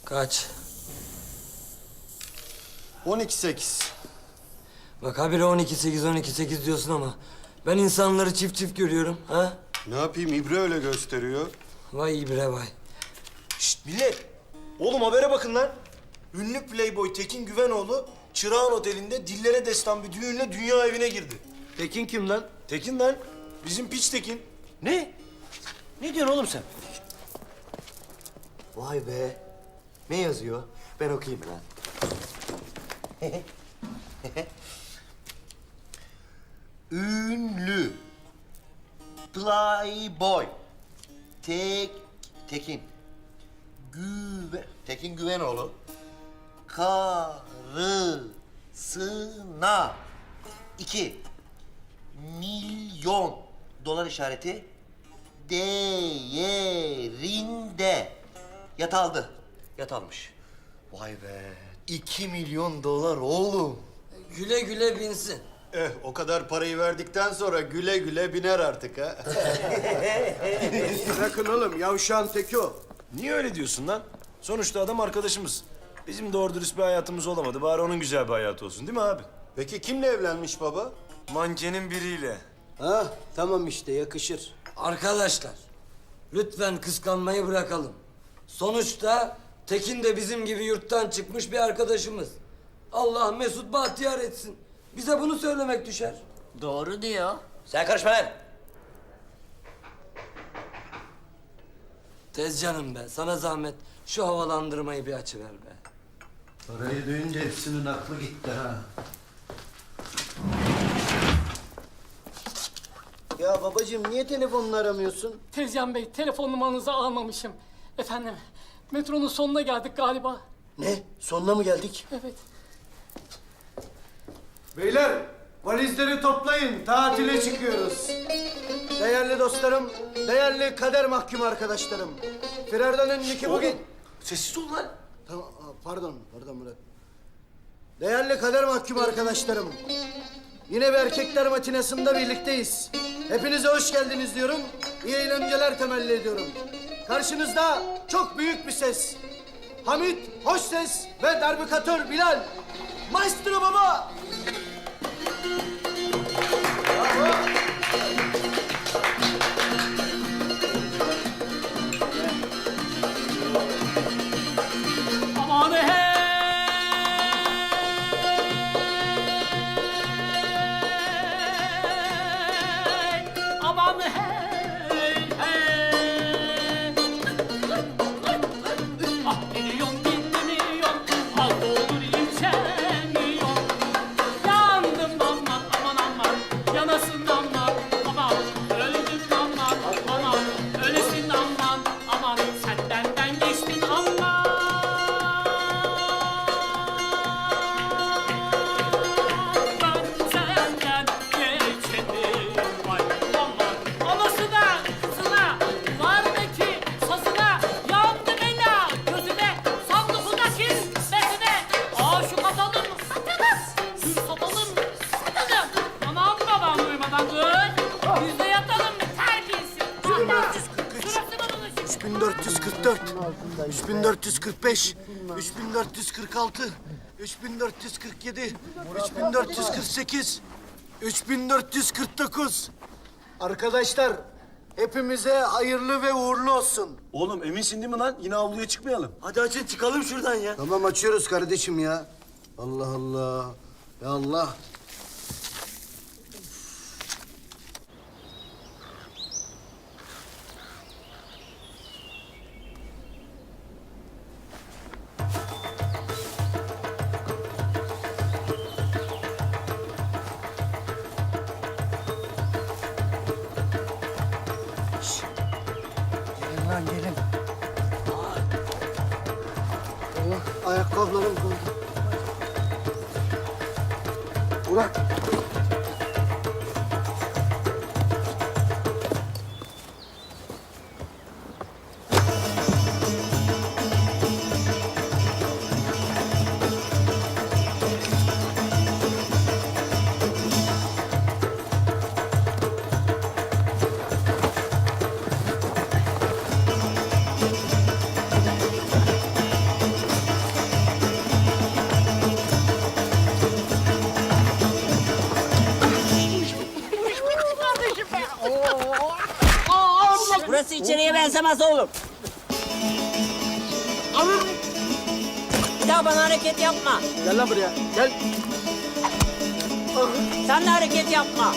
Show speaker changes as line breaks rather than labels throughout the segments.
Kaç?
12-8.
Bak habire 12-8 diyorsun ama ben insanları çift çift görüyorum ha?
Ne yapayım, İbre öyle gösteriyor.
Vay ibre vay.
Şşt millet! Oğlum habere bakın lan. Ünlü playboy Tekin Güvenoğlu Çırağan Oteli'nde dillere destan bir düğünle dünya evine girdi.
Tekin kim lan?
Tekin lan. Bizim piç Tekin.
Ne? Ne diyorsun oğlum sen?
Vay be. Ne yazıyor? Ben okuyayım lan. Ünlü. Playboy. Tekin Güvenoğlu. Karısına 2 milyon dolar işareti değerinde yat aldı. Yat almış. Vay be. 2 milyon dolar oğlum.
Güle güle binsin.
O kadar parayı verdikten sonra güle güle biner artık ha.
Bırakın oğlum, yavşağın teki o.
Niye öyle diyorsun lan? Sonuçta adam arkadaşımız. Bizim doğru dürüst bir hayatımız olamadı. Bari onun güzel bir hayatı olsun değil mi abi?
Peki kimle evlenmiş baba?
Mankenin biriyle.
Ha, tamam işte, yakışır.
Arkadaşlar lütfen kıskanmayı bırakalım. Sonuçta Tekin de bizim gibi yurttan çıkmış bir arkadaşımız. Allah mesut bahtiyar etsin. Bize bunu söylemek düşer.
Doğru diyor. Sen karışma lan.
Tez canım be, sana zahmet şu havalandırmayı bir açıver be.
Parayı duyunca hepsinin aklı gitti ha.
Ya babacığım, niye telefonunu aramıyorsun?
Tezcan Bey, telefon numaranızı almamışım. Efendim, metronun sonuna geldik galiba.
Ne? Sonuna mı geldik?
Evet.
Beyler, valizleri toplayın, tatile çıkıyoruz. Değerli dostlarım, değerli kader mahkum arkadaşlarım. Firardan'ın Niki bugün...
Sessiz ol lan.
Tamam, pardon Murat. Değerli kader mahkum arkadaşlarım. Yine bir erkekler matinasında birlikteyiz. Hepinize hoş geldiniz diyorum. İyi eğlenceler temelli ediyorum. Karşınızda çok büyük bir ses. Hamit Hoşses ve darbukatör Bilal. Maestro baba.
Aman hey! Aman hey! Hey! Ah milyon gitti milyon, al olur yetişemiyor. Yandım aman aman aman, yanasın aman aman, öldüm aman aman, ölesin aman aman, sen benden geçtin aman. Ben senden geçenim vay aman, anası da kızına, duvardaki sazına, yandı bela gözüme, sandıkındaki bezine, aşık atalım satalım, gül satalım satalım. Anam babam duymadan kız, biz de yatalım terbiyesiz.
3444, 3445, 3446, 3447, 3448, 3449. Arkadaşlar, hepimize hayırlı ve uğurlu olsun.
Oğlum eminsin değil mi lan? Yine avluya çıkmayalım.
Hadi açın çıkalım şuradan ya.
Tamam, açıyoruz kardeşim ya. Allah Allah. Ya Allah.
Gelin lan gelin.
Allah, ayakkabılarım kaldı. Ulan.
Kimseye benzemez oğlum. Bir daha bana hareket yapma.
Gel lan buraya. Gel.
Sen de hareket yapma.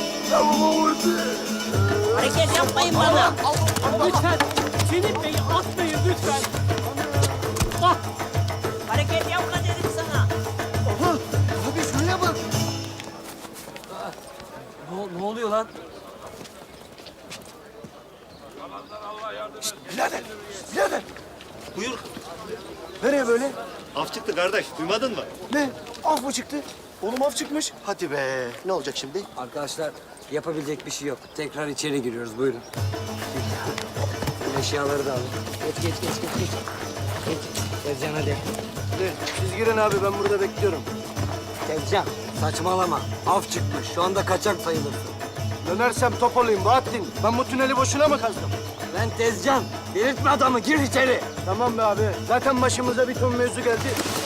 Hareket yapmayın bana.
Lütfen Çelik Bey'i atmayın lütfen. Ah,
Hareket yapma dedim sana.
Abi şuraya bak.
Ne oluyor lan?
Buyur.
Nereye böyle?
Af çıktı kardeş, duymadın mı?
Ne? Af mı çıktı?
Oğlum af çıkmış.
Hadi be. Ne olacak şimdi?
Arkadaşlar yapabilecek bir şey yok. Tekrar içeri giriyoruz buyurun. Eşyaları da alın. Geç. Geç. Tezcan hadi.
Hadi siz girin abi ben burada bekliyorum.
Tezcan saçmalama. Af çıkmış. Şu anda kaçak sayılırsın.
Dönersem top olayım Bahattin. Ben bu tüneli boşuna mı kazdım?
Ben Tezcan. Delirtme adamı. Gir içeri.
Tamam be abi. Zaten başımıza bir ton mevzu geldi.